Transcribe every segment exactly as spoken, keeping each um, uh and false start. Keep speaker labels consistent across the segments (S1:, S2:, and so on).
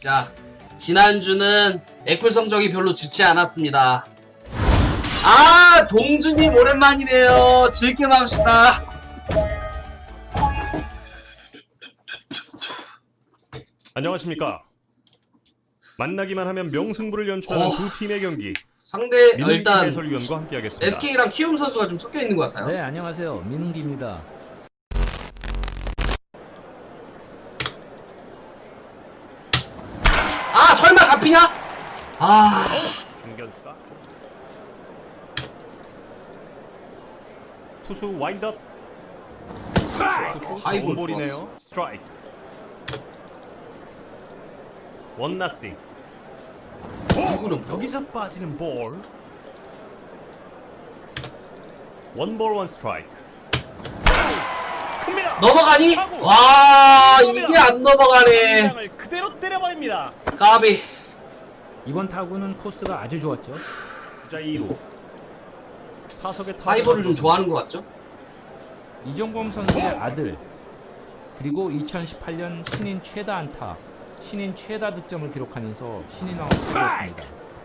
S1: 자, 지난주는 액풀 성적이 별로 좋지 않았습니다. 아, 동주님 오랜만이네요. 즐겨 맙시다.
S2: 안녕하십니까. 만나기만 하면 명승부를 연출하는
S1: 어,
S2: 두 팀의 경기.
S1: 상대 어,
S2: 민웅기
S1: 일단
S2: 해설위원과 함께하겠습니다.
S1: 에스케이랑 키움 선수가 좀 섞여 있는 것 같아요.
S3: 네, 안녕하세요. 민웅기입니다.
S1: 아, 설마 잡히냐? 아,
S2: 중견수가 투수 와인드업. 투수
S1: 하이볼
S2: 좋은 볼이네요. 스트라이크. 원 나싱.
S1: 이구는
S2: 여기서 빠지는 볼. 원 볼 원 스트라이크. 큽니다.
S1: 넘어가니?
S2: 타구.
S1: 와, 이게 안 넘어가네.
S2: 공장을 그대로 때려버립니다.
S1: 까비.
S3: 이번 타구는 코스가 아주 좋았죠.
S2: 주자 이 루. 타석의 타구.
S1: 하이볼을 좀 좋아하는 것 같죠?
S3: 이종범 선수의 아들, 그리고 이천십팔 년 신인 최다 안타, 신인 최다 득점을 기록하면서 신인왕을 차지했습니다.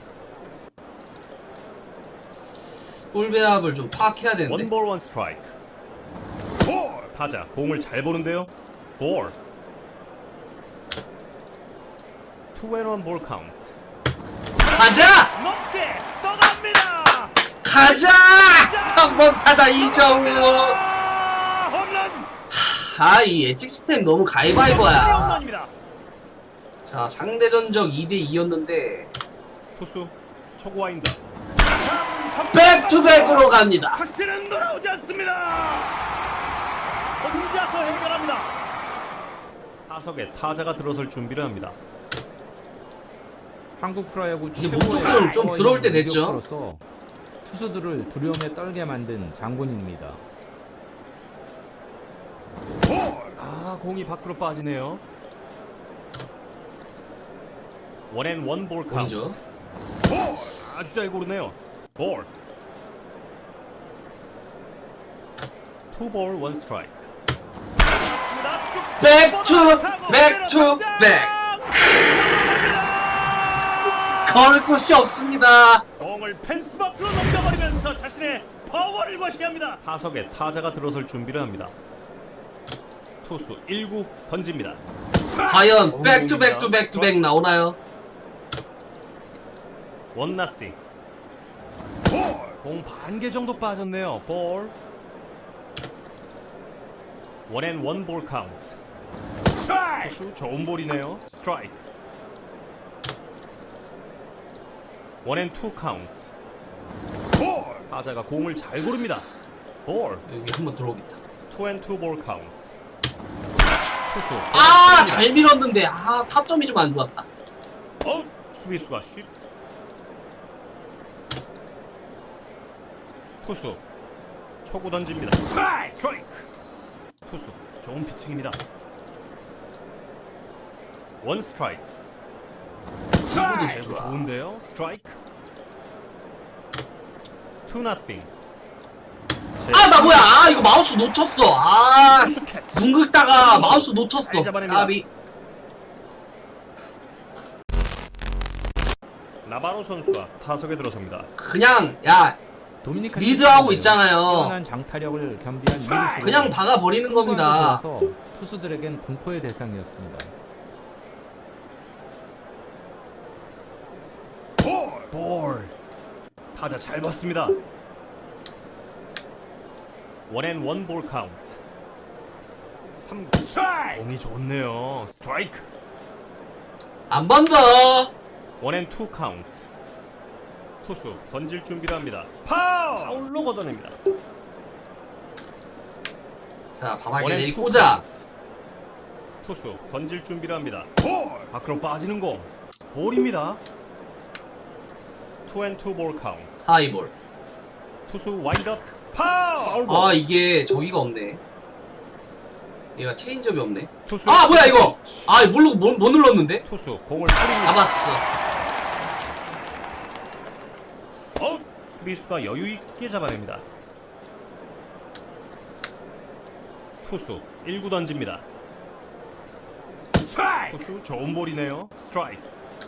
S1: 볼 배합을 좀 파악해야 되는데.
S2: 원 볼 원 스트라이크. 볼. 타자 공을 잘 보는데요. 볼. 투 앤 원 볼 카운트.
S1: 가자!
S2: 높게 떠납니다.
S1: 가자! 삼 번 타자 이정우.
S2: 아, 홈런.
S1: 아, 이 예측 시스템 너무 가위바위보야.
S2: 홈런입니다.
S1: 자, 상대 전적 이 대 이였는데
S2: 투수 초구 와인더.
S1: 백투백으로 갑니다.
S2: 다시는 돌아오지 않습니다. 혼자서 해결합니다. 타석에 타자가 들어설 준비를 합니다.
S3: 한국 프로야구
S1: 이제
S3: 최고의
S1: 몸쪽으로 좀 들어올 때 됐죠.
S3: 공격수로서 투수들을 두려움에 떨게 만든 장본인입니다.
S2: 아, 공이 밖으로 빠지네요. 원앤 원볼 카운트.
S1: 공이죠.
S2: 볼. 아주 잘 고르네요. 볼. 투볼 원 스트라이크.
S1: 백투백투백. 걸을 곳이 없습니다.
S2: 공을 펜스 밖으로 넘겨버리면서 자신의 파워를 과시합니다. 타석에 타자가 들어설 준비를 합니다. 투수 일 구 던집니다.
S1: 과연 백투백투백투백 나오나요?
S2: 원 나싱. 공 반 개 정도 빠졌네요. 볼. 원앤 원 볼 카운트. 투수 좋은 볼이네요. 스트라이크. 원앤 투 카운트. 볼. 타자가 공을 잘 고릅니다. 볼.
S1: 여기 한번 들어오겠다.
S2: 투 앤 투 볼 카운트. 투수.
S1: 아, 잘 밀었는데 아, 타점이 좀 안 좋았다.
S2: 어, 수비수가 슛. 투수 초구 던집니다. 스트라이크. 투수 좋은 피칭입니다. 원 스트라이크.
S1: 이구도
S2: 아이고,
S1: 좋아.
S2: 좋은데요. 스트라이크. 투 나싱.
S1: 아, 나 뭐야? 아, 이거 마우스 놓쳤어. 아, 눈 긁다가 마우스 놓쳤어.
S2: 잘 잡아냅니다.
S1: 까비.
S2: 나바로 선수가 타석에 들어섭니다.
S1: 그냥 야,
S3: 도미니카
S1: 리드하고 있잖아요.
S3: 뛰어난 장타력을 겸비한 미드수로
S1: 그냥 박아 버리는 겁니다.
S3: 좋아서 투수들에겐 공포의 대상이었습니다.
S2: 볼. 볼. 타자 잘 봤습니다. 원앤 원 볼 카운트. 삼 구. 공이 좋네요. 스트라이크.
S1: 한 번 더.
S2: 원앤 투 카운트. 투수 던질 준비를 합니다. 파울. 파울로 걷어냅니다.
S1: 자, 바닥에
S2: 원앤
S1: 내리
S2: 투
S1: 꽂아.
S2: 카운트. 투수 던질 준비를 합니다. 볼. 밖으로 빠지는 공. 볼입니다. 투 앤 투 볼 카운트.
S1: 하이볼.
S2: 투수 와인드업. 파울. 파울
S1: 아, 이게 저기가 없네. 얘가 체인점이 없네.
S2: 투수.
S1: 아, 뭐야 이거? 아, 모르고 못, 못 눌렀는데?
S2: 투수 공을 뿌립니다.
S1: 잡았어.
S2: 어, 수비수가 여유 있게 잡아냅니다. 투수 일 구 던집니다. 투수 좋은 볼이네요. 스트라이크.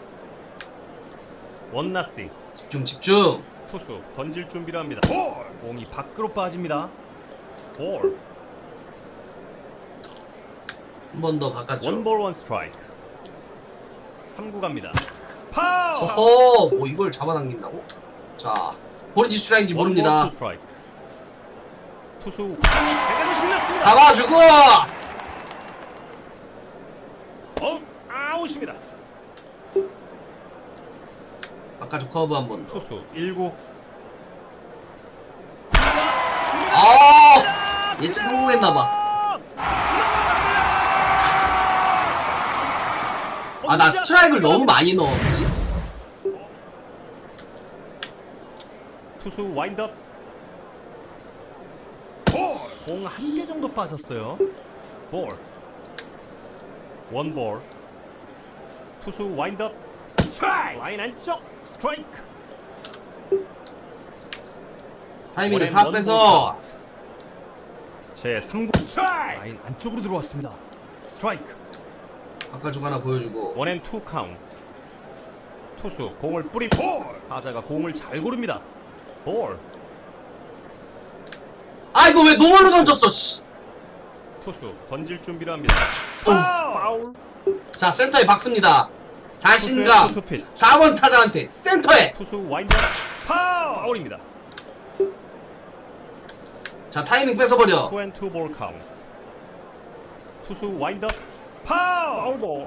S2: 원나싱.
S1: 집중 집중.
S2: 투수 던질 준비를 합니다. 볼. 공이 밖으로 빠집니다. 볼.
S1: 한 번 더 바꿨죠.
S2: 원볼 원 스트라이크. 삼 구 갑니다. 파울.
S1: 허허, 뭐 이걸 잡아당긴다고? 자, 볼인지 스트라이크인지 모릅니다.
S2: 원볼 투 스트라이크. 투수 제대로 신났습니다.
S1: 잡아주고.
S2: 어, 아웃입니다.
S1: 바깥쪽 커브 한 번 더.
S2: 투수 일 구.
S1: 아, 예측 성공했나봐. 아, 나 스트라이크를 너무 많이 넣었지?
S2: 투수 와인드업. 공 한 개 정도 빠졌어요. 볼. 원볼. 투수 와인드업. 라인 안쪽 스트라이크.
S1: 타이밍을 싹 빼서.
S2: 제 삼 구 라인 안쪽으로 들어왔습니다. 스트라이크.
S1: 바깥쪽 하나 보여주고.
S2: 원앤 투 카운트. 투수 공을 뿌리 볼. 타자가 공을 잘 고릅니다. 볼.
S1: 아, 이거 왜 노멀로 던졌어, 씨.
S2: 투수 던질 준비를 합니다.
S1: 오.
S2: 파울.
S1: 자, 센터에 박습니다.
S2: 투수의
S1: 자신감.
S2: 투투pitch.
S1: 사 번 타자한테 센터에.
S2: 투수 와인드 파울. 파울입니다.
S1: 자, 타이밍 뺏어버려.
S2: 투 앤 투 볼 카운트. 투수 와인드 파울. 파울.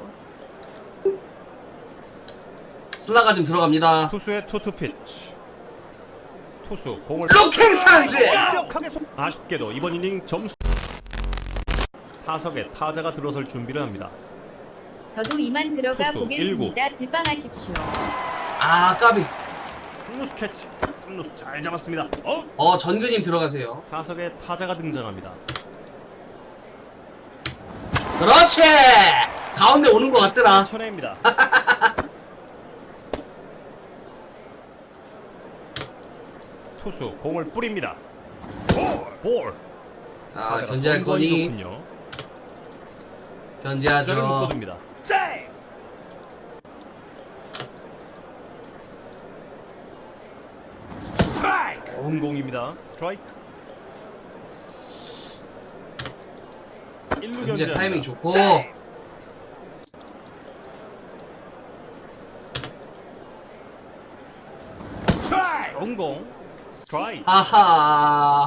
S1: 슬라가 지금 들어갑니다.
S2: 투수의 투투피치. 투수 공을
S1: 로킹 상제.
S2: 완벽하게 속. 아쉽게도 이번 이닝 점수. 타석에 타자가 들어설 준비를 합니다.
S4: 저도 이만 들어가
S2: 투수
S4: 보겠습니다. 질방하십시오.
S1: 아, 까비.
S2: 삼루수 캐치. 삼루수 잘 잡았습니다. 어?
S1: 어, 전근님 들어가세요.
S2: 타석에 타자가 등장합니다.
S1: 그렇지. 가운데 오는 것 같더라.
S2: 천혜입니다. 투수 공을 뿌립니다. 볼.
S1: 아,
S2: 타자가
S1: 견제할
S2: 선거리
S1: 거니
S2: 좋군요.
S1: 견제하죠.
S2: 타자를 묶어둡니다. 좋은 공입니다. 스트라이크. 일 루
S1: 견제
S2: 견제합니다.
S1: 타이밍 좋고.
S2: 좋은 공. 스트라이크.
S1: 아하.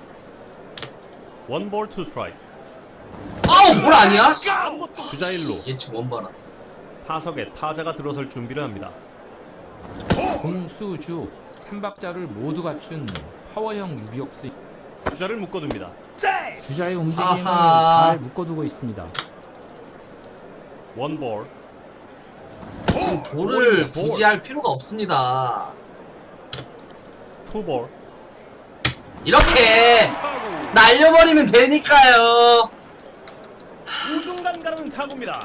S2: 원볼 투 스트라이크.
S1: 아우, 볼 아니야?
S2: 주자 일 루.
S1: 예측 원바라.
S2: 타석에 타자가 들어설 준비를 합니다.
S3: 공수주 삼박자를 모두 갖춘 파워형 유격수.
S2: 주자를 묶어둡니다.
S3: 주자의 움직임을
S1: 아하.
S3: 잘 묶어두고 있습니다.
S2: 원볼.
S1: 지금 돌을 굳이 할 필요가 없습니다.
S2: 투볼.
S1: 이렇게 날려버리면 되니까요.
S2: 우중간 가는 타구입니다.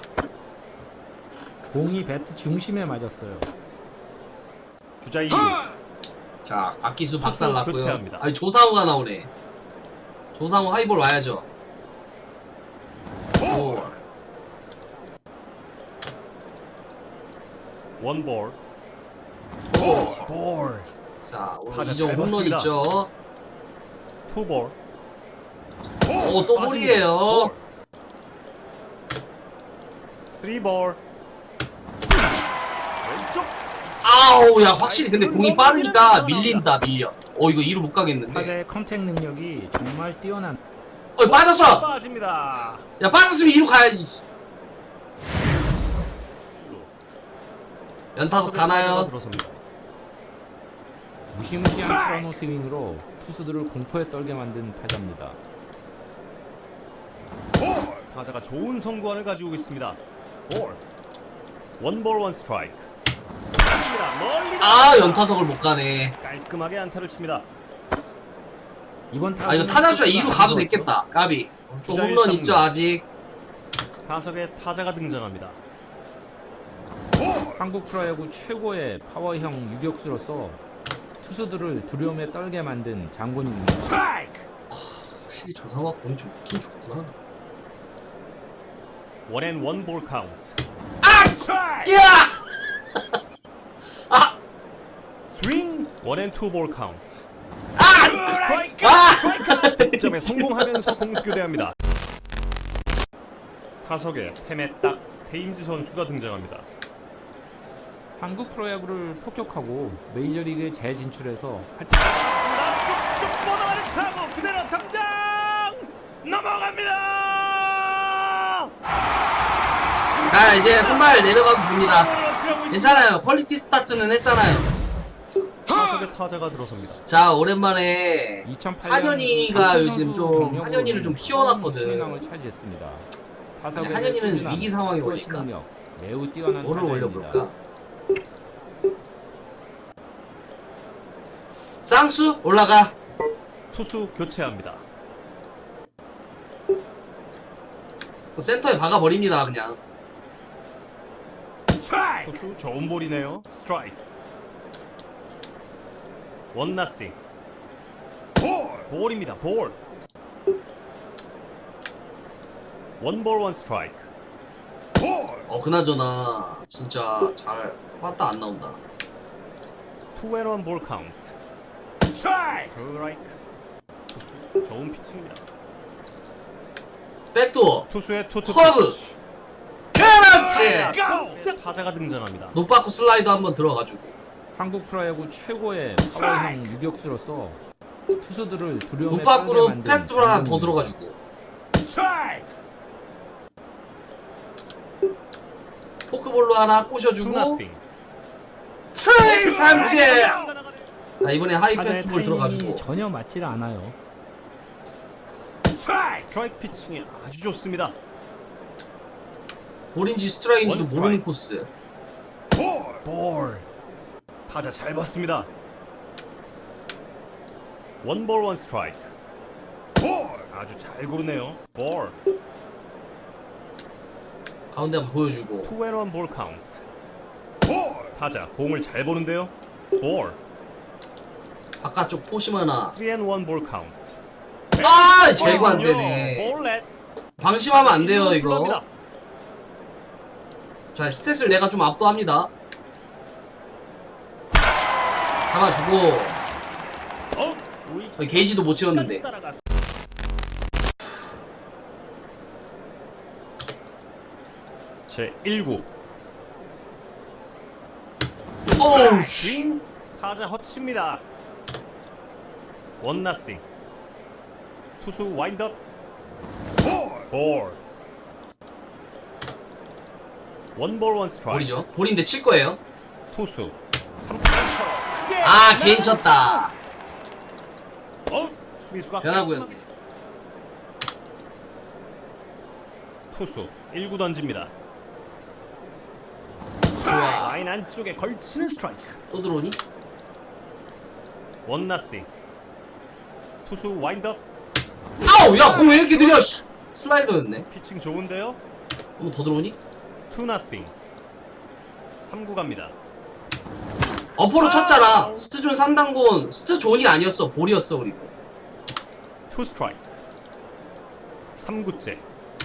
S3: 공이 배트 중심에 맞았어요.
S2: 주자 이 루.
S1: 자, 박기수 박살
S2: 투수
S1: 났고요.
S2: 교체합니다.
S1: 아니, 조상우가 나오네. 조상우 하이볼 와야죠. 볼.
S2: 원볼.
S1: 볼.
S2: 볼.
S1: 자, 오늘
S2: 타자
S1: 이정
S2: 잘
S1: 홈런
S2: 봤습니다.
S1: 있죠.
S2: 투볼.
S1: 오, 또 볼이에요.
S2: 쓰리볼. 왼쪽.
S1: 아우, 야, 확실히 근데 공이 빠르니까 밀린다, 밀려. 어, 이거 이루 못 가겠는데.
S3: 타자의 컨택 능력이 정말 뛰어난.
S1: 어, 빠졌어.
S2: 빠집니다.
S1: 야, 빠졌으면 이루 가야지. 연타석 가나요?
S2: 들어섭니다.
S3: 무시무시한 트러노 스윙으로 투수들을 공포에 떨게 만든 타자입니다.
S2: 타자가 좋은 선구안을 가지고 있습니다. 볼. 원볼 원 스트라이크. 멀리
S1: 아, 연타석을 못 가네.
S2: 깔끔하게 안타를 칩니다.
S3: 이번 타자
S1: 아, 이거 타자수야 이루 가도 됐겠다. 까비. 또 홈런 있죠, 아직.
S2: 타석에 타자가 등장합니다.
S3: 한국 프로야구 최고의 파워형 유격수로서 투수들을 두려움에 떨게 만든 장군입니다.
S2: 스트라이크.
S1: 확실히 조상우가 공이 좋긴 좋구나.
S2: 원앤 원볼 카운트.
S1: 아! 야! 아!
S2: 스윙 원앤 투볼 카운트.
S1: 아!
S2: 스트라이크.
S1: 아!
S2: 득점에 성공하면서 공수 교대합니다. 타석에 템에 딱 테임즈 선수가 등장합니다.
S3: 한국 프로야구를 폭격하고 메이저리그에 재진출해서 활-
S2: 쭉쭉 뻗어가는 타구 그대로 당장 넘어갑니다.
S1: 자, 이제 선발 내려가도 됩니다. 괜찮아요. 퀄리티 스타트는 했잖아요.
S2: 타석에 타자가 들어섭니다.
S1: 자, 오랜만에
S3: 이천팔 년
S1: 한현희가
S3: 박준
S1: 요즘
S3: 선수
S1: 좀
S3: 경력으로
S1: 한현희를 좀 키워놨거든.
S3: 신인왕을 차지했습니다. 타석의
S1: 한현희는
S3: 꾸준함,
S1: 위기 상황이
S3: 스트레치
S1: 오니까.
S3: 능력, 매우 뛰어난
S1: 뭐를
S3: 타자입니다.
S1: 올려볼까? 쌍수 올라가.
S2: 투수 교체합니다.
S1: 센터에 박아버립니다 그냥.
S2: 투수 좋은 볼이네요. 스트라이크. 원 나싱. 볼. 볼입니다. 볼. 원볼 원 스트라이크. 볼.
S1: 어 그나저나 진짜 잘 왔다 안 나온다.
S2: 투앤원 볼 카운트. 스트라이크. 투수 좋은 피칭입니다.
S1: 백도어.
S2: 투수의 투투
S1: 커브.
S2: 피치.
S1: 그렇지.
S2: 깜짝 타자가 등장합니다.
S1: 노빠꾸 슬라이드 한번 들어가지고.
S3: 한국 프로야구 최고의 파워형 유격수로서 투수들을 두려움에 떨게
S1: 노빠꾸로
S3: 만든
S1: 패스트볼 하나 더
S3: 장군입니다.
S1: 들어가지고. 포크볼로 하나 꼬셔주고.
S2: 투나싱.
S1: 스윙 삼진. 자 이번에 하이
S3: 타자의
S1: 패스트볼
S3: 타이밍이
S1: 들어가지고.
S3: 전혀 맞질 않아요.
S2: 스트라이크 피칭이 아주 좋습니다.
S1: 볼인지 스트라이크인지도
S2: 원
S1: 모르는
S2: 스트라이크.
S1: 코스.
S2: 볼. 볼. 타자 잘 봤습니다. 원볼 원 스트라이크. 볼. 아주 잘 고르네요. 볼.
S1: 가운데 한번 보여주고.
S2: 투앤원 볼 카운트. 볼. 타자 공을 잘 보는데요. 볼.
S1: 바깥쪽 포심 하나.
S2: 쓰리앤원 볼 카운트.
S1: 아 제거 안 되네.
S2: 볼넷.
S1: 방심하면 안 돼요 이거.
S2: 불러옵니다.
S1: 자 스탯을 내가 좀 압도합니다. 잡아주고.
S2: 어? 우익수.
S1: 어, 게이지도 못 채웠는데.
S2: 따라갔어. 제일 구.
S1: 오우
S2: 스윙. 타자 허치입니다. 원 나싱. 투수 와인드업. 볼. 볼. 원볼 원 스트라이크.
S1: 볼이죠. 볼인데 칠 거예요.
S2: 투수. 삼 구 크게
S1: 아 개인 쳤다.
S2: 어? 수비수가
S1: 변화구였네.
S2: 투수 일 구 던집니다.
S1: 좋아.
S2: 라인 안쪽에 걸치는 스트라이크.
S1: 또 들어오니?
S2: 원 나싱. 투수 와인드업.
S1: 아우 야 공 왜 이렇게 느려? 씨. 슬라이더였네.
S2: 피칭 좋은데요.
S1: 한번 더 들어오니?
S2: 투 나싱. 삼 구 갑니다.
S1: 어퍼로 쳤잖아. 스트존 삼 단군. 스트존이 아니었어. 볼이었어 그리고.
S2: 투 스트라이크. 삼 구째.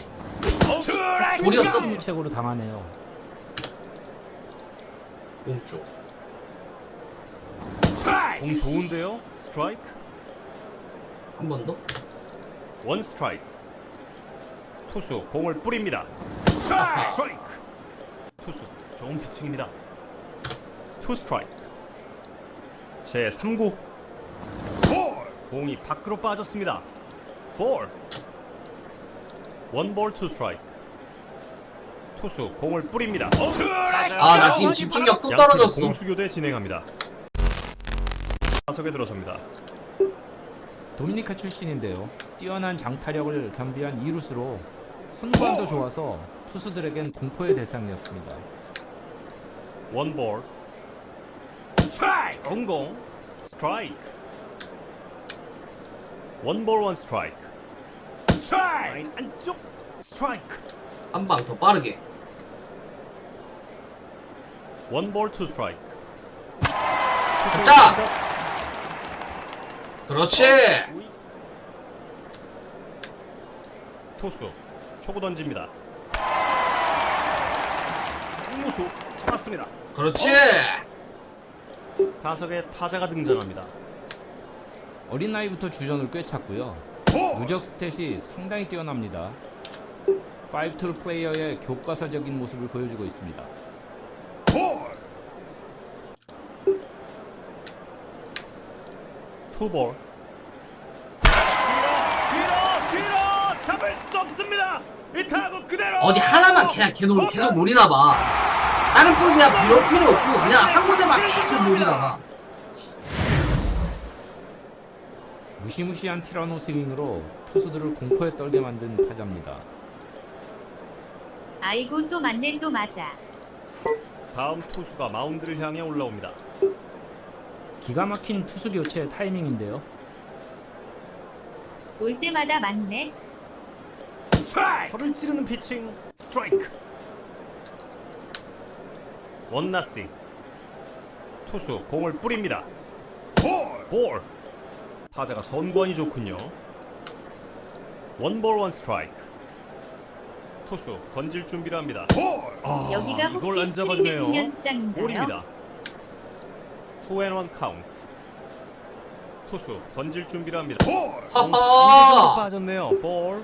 S1: 볼이었어.
S3: 승유책으로 당하네요.
S1: 오른쪽.
S2: 공 좋은데요. 스트라이크.
S1: 한 번 더.
S2: 원 스트라이크. 투수 공을 뿌립니다.
S1: 아하.
S2: 스트라이크. 투수 좋은 피칭입니다. 투 스트라이크. 제 삼 구. 볼. 공이 밖으로 빠졌습니다. 볼. 원볼 투 스트라이크. 투수 공을 뿌립니다.
S1: 아 나 지금 집중력 또 떨어졌어.
S2: 공수교대 진행합니다. 타석에 들어섭니다.
S3: 도미니카 출신인데요. 뛰어난 장타력을 겸비한 이루스로 손관도 좋아서 투수들에겐 공포의 대상이었습니다.
S2: 원볼. 좋은 공. 스트라이크. 원볼 원 스트라이크. 라인 안쪽. 스트라이크.
S1: 한 방 더 빠르게.
S2: 원볼 투 스트라이크.
S1: 자! 그렇지.
S2: 투수 초구 던집니다. 승무수 잡았습니다.
S1: 그렇지.
S2: 타석에 타자가 등장합니다.
S3: 어린 나이부터 주전을 꿰찼고요. 누적 스탯이 상당히 뛰어납니다. 파이브 툴 플레이어의 교과서적인 모습을 보여주고 있습니다.
S2: 투볼. 뒤로 뒤로 잡을 수 없습니다. 이 타구 그대로.
S1: 어디 하나만 그냥 계속 계속 노리나 봐. 다른 볼 그냥 부를 필요 없고 그냥 한 군데만 계속 노리나 봐.
S3: 무시무시한 티라노 스윙으로 투수들을 공포에 떨게 만든 타자입니다.
S4: 아이고 또 맞네 또 맞아.
S2: 다음 투수가 마운드를 향해 올라옵니다.
S3: 기가 막힌 투수 교체 타이밍인데요.
S4: 올 때마다 맞네.
S2: 허를 찌르는 피칭. 스트라이크. 원나싱. 투수 공을 뿌립니다. 볼. 볼. 타자가 선관이 좋군요. 원볼 원 스트라이크. 투수 던질 준비를 합니다. 아,
S4: 여기가
S2: 이걸
S4: 혹시
S2: 안
S4: 스프링
S2: 잡아주네요.
S4: 배팅 연습장인가요?
S2: 볼입니다. 투앤원 카운트. 투수 던질 준비를 합니다.
S1: 하하.
S2: 빠졌네요. 볼.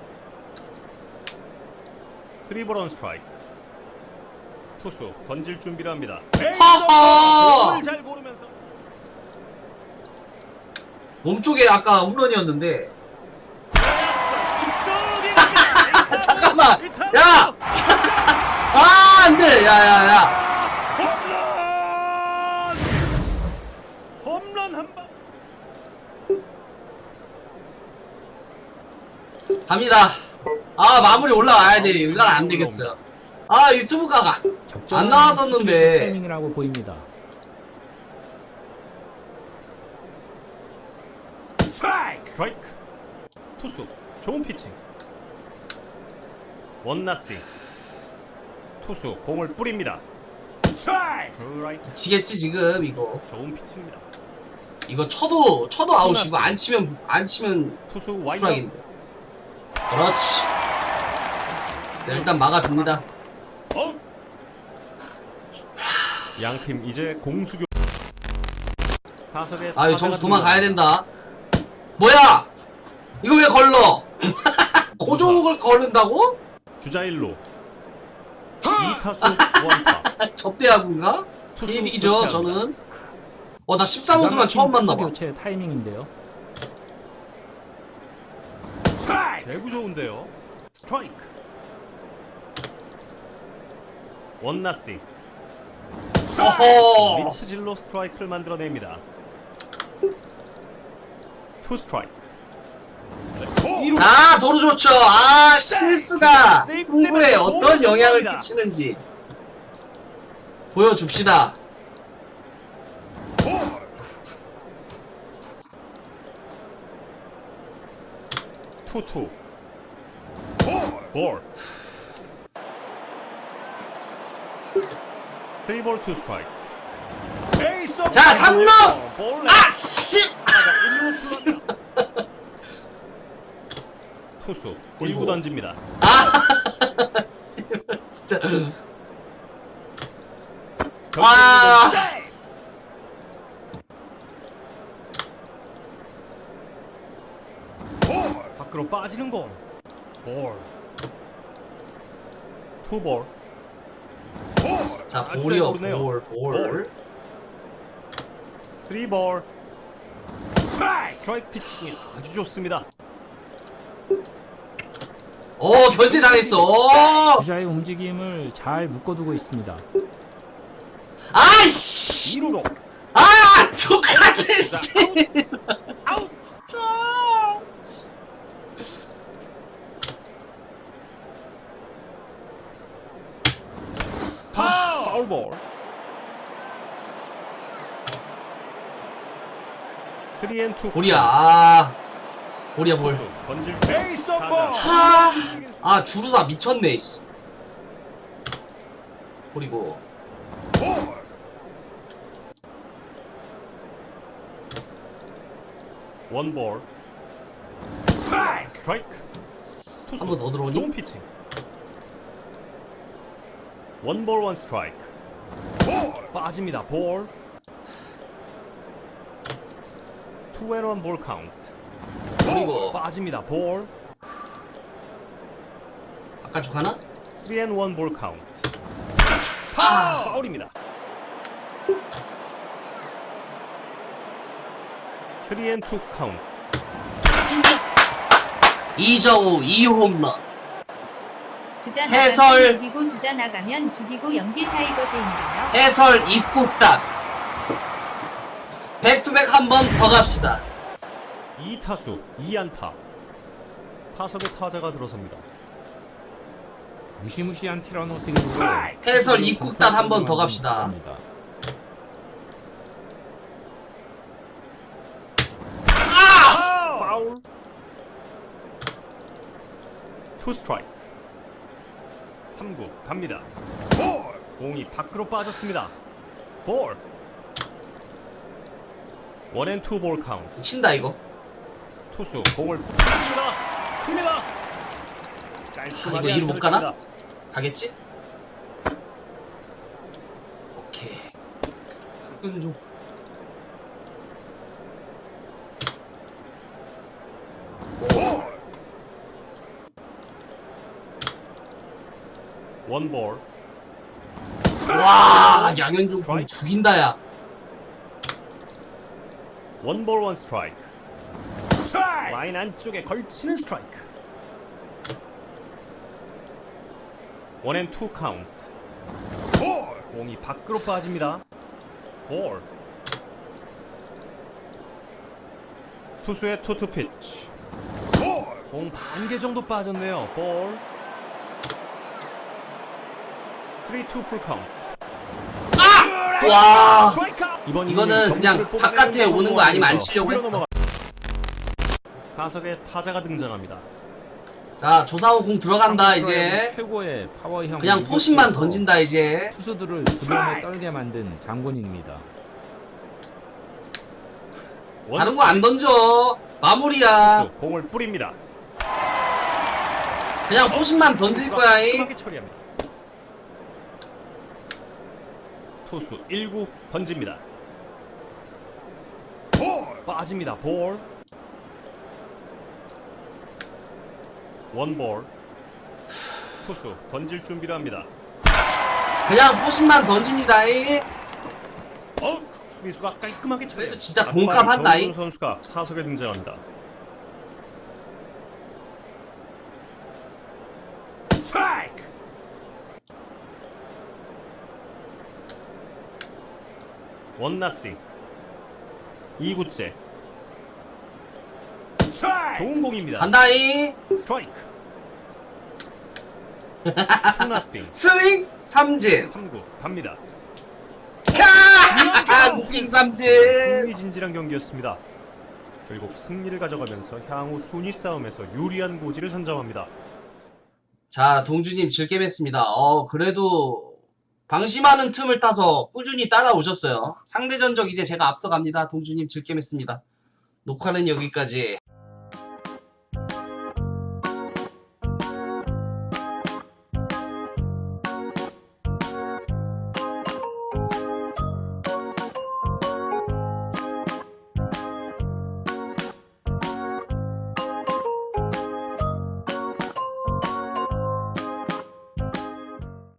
S2: 쓰리볼 원 스트라이크. 투수 던질 준비를 합니다.
S1: 하하.
S2: 공을 잘 고르면서
S1: 몸쪽에 아까 홈런이었는데.
S2: 깊숙이
S1: 잠깐만. 야. 아 안돼. 야야야.
S2: 홈런! 홈런 한 방.
S1: 갑니다. 아 마무리 올라와야 돼. 이건 안 되겠어요. 아 유튜브가 안 나왔었는데.
S3: 투수 교체 타이밍이라고 보입니다.
S2: 스트라이크. 투수 좋은 피칭. 원나싱. 투수 공을 뿌립니다. 스트라이크.
S1: 지겠지 지금 이거.
S2: 좋은 피칭입니다.
S1: 이거 쳐도 쳐도 아웃이고 안 치면 안 치면
S2: 투수 와이드.
S1: 스트라이크인데. 그렇지. 자, 일단 막아줍니다.
S2: 어? 양팀 이제 공수교. 타석에
S1: 아 이거
S2: 타자가
S1: 점수 도망가야
S2: 등장합니다.
S1: 된다. 뭐야? 이거 왜 걸러? 고종을 걸른다고?
S2: 주자 일루. 이 타수 원타.
S1: 접대하군가?
S2: 투수
S1: 개이득이죠
S2: 교체합니다.
S1: 저는. 어 나 십삼 호수만 처음
S3: 투수
S1: 만나봐.
S3: 교체 타이밍인데요.
S2: 대구 좋은데요. 스트라이크. 원나싱.
S1: 어허.
S2: 미트질로 스트라이크를 만들어냅니다. 투 스트라이크.
S1: 자 도루 좋죠. 아 실수가 승부에 어떤 영향을 끼치는지 보여줍시다.
S2: 투투. 볼. 쓰리볼 투 스트라이크.
S1: 자 삼 루.
S2: 볼.
S1: 아 씨.
S2: 투수 일 구 던집니다.
S1: 아 씨. 진짜. 아.
S2: 밖으로 빠지는 공. 볼. 투볼.
S1: 자
S2: 아주
S1: 볼이요.
S2: 잘 고르네요.
S1: 볼 볼.
S2: 쓰리볼. 스트라이크 피칭이 아주 좋습니다.
S1: 어 견제 당했어. 어.
S3: 주자의 움직임을 잘 묶어두고 있습니다.
S1: 아이씨.
S2: 이 루로.
S1: 아 똑같아 씨.
S2: 아웃.
S1: 진짜.
S2: 파울볼. 쓰리 앤 투.
S1: 볼이야. 아 볼이야 볼.
S2: 투수 던질 베이스 볼.
S1: 하. 아 주루사 미쳤네 씨. 볼이고.
S2: 원볼. 스트라이크. 투수
S1: 한 번 더 들어오니?
S2: 좋은 피칭. 원볼 원 스트라이크. 빠집니다. 볼. 투 앤 원 볼 카운트.
S1: 그리고
S2: 빠집니다. 볼.
S1: 바깥쪽 하나?
S2: 쓰리 앤 원 볼 카운트.
S1: 아!
S2: 파울입니다. 쓰리 앤 투 카운트.
S1: 이정우 이 홈런.
S4: 주자
S1: 해설.
S4: 나가면 죽이고 주자 나가면 죽이고 연기 타이거즈인가요?
S1: 해설 입국단. 백투백 한 번 더 갑시다.
S2: 이 타수 이 안타. 타석에 타자가 들어섭니다.
S3: 무시무시한 티라노 스윙으로
S1: 해설 입국단 한 번 더 갑시다. 아!
S2: 파울. 투 스트라이크. 삼 구 갑니다. 볼. 공이 밖으로 빠졌습니다. 볼. 원 앤 투 볼 카운트.
S1: 친다 이거.
S2: 투수 공을 붙였습니다. 큽니다.
S1: 아, 이거
S2: 깔끔하게
S1: 이루 못
S2: 안타를
S1: 가나?
S2: 칩니다.
S1: 가겠지? 오케이. 이건 좀.
S2: 원볼.
S1: 와, 양현종 공 죽인다 야.
S2: 원볼 원 스트라이크. 라인 안쪽에 걸치는 스트라이크. 원 앤 투 카운트. 공이 밖으로 빠집니다. 볼. 투수의 투투 피치. 공 반 개 정도 빠졌네요. 볼. 쓰리 투 풀 카운트.
S1: 아! 와.
S2: 이번
S1: 이거는
S2: 이닝
S1: 그냥
S2: 점수를
S1: 바깥에
S2: 뽑아내는
S1: 오는 거 아니면 안
S2: 성공하면서
S1: 치려고
S2: 수비로
S1: 했어.
S2: 넘어가- 타석에 타자가 등장합니다.
S1: 자, 조상우 공 들어간다 이제.
S3: 최고의 파워형
S1: 그냥 포신만 던진다 이제.
S3: 투수들을 두려움에 떨게 만든 장군입니다.
S1: 다른 거 안 던져. 마무리야.
S2: 투수 공을 뿌립니다.
S1: 그냥 포신만 던질 거야. 이.
S2: 깔끔하게 처리합니다. 투수 일 구 던집니다. 빠집니다. 볼. 원볼. 투수 던질 준비를 합니다.
S1: 그냥 포신만 던집니다. 이.
S2: 어, 수비수가 깔끔하게 처리.
S1: 그래도 진짜 동감한다, 이.
S2: 선수가 타석에 등장합니다. 스트라이크. 원 나싱. 이 구째. 좋은 공입니다.
S1: 간다 이.
S2: 스트라이크. 투 나싱.
S1: 스윙 삼진.
S2: 삼 구 갑니다.
S1: 캬! 웃긴 삼진.
S2: 흥미진진한 경기였습니다. 결국 승리를 가져가면서 향후 순위 싸움에서 유리한 고지를 선점합니다.
S1: 자, 동주님 즐겜했습니다. 어, 그래도 방심하는 틈을 타서 꾸준히 따라오셨어요. 상대 전적 이제 제가 앞서갑니다. 동주님 즐겜했습니다. 녹화는 여기까지.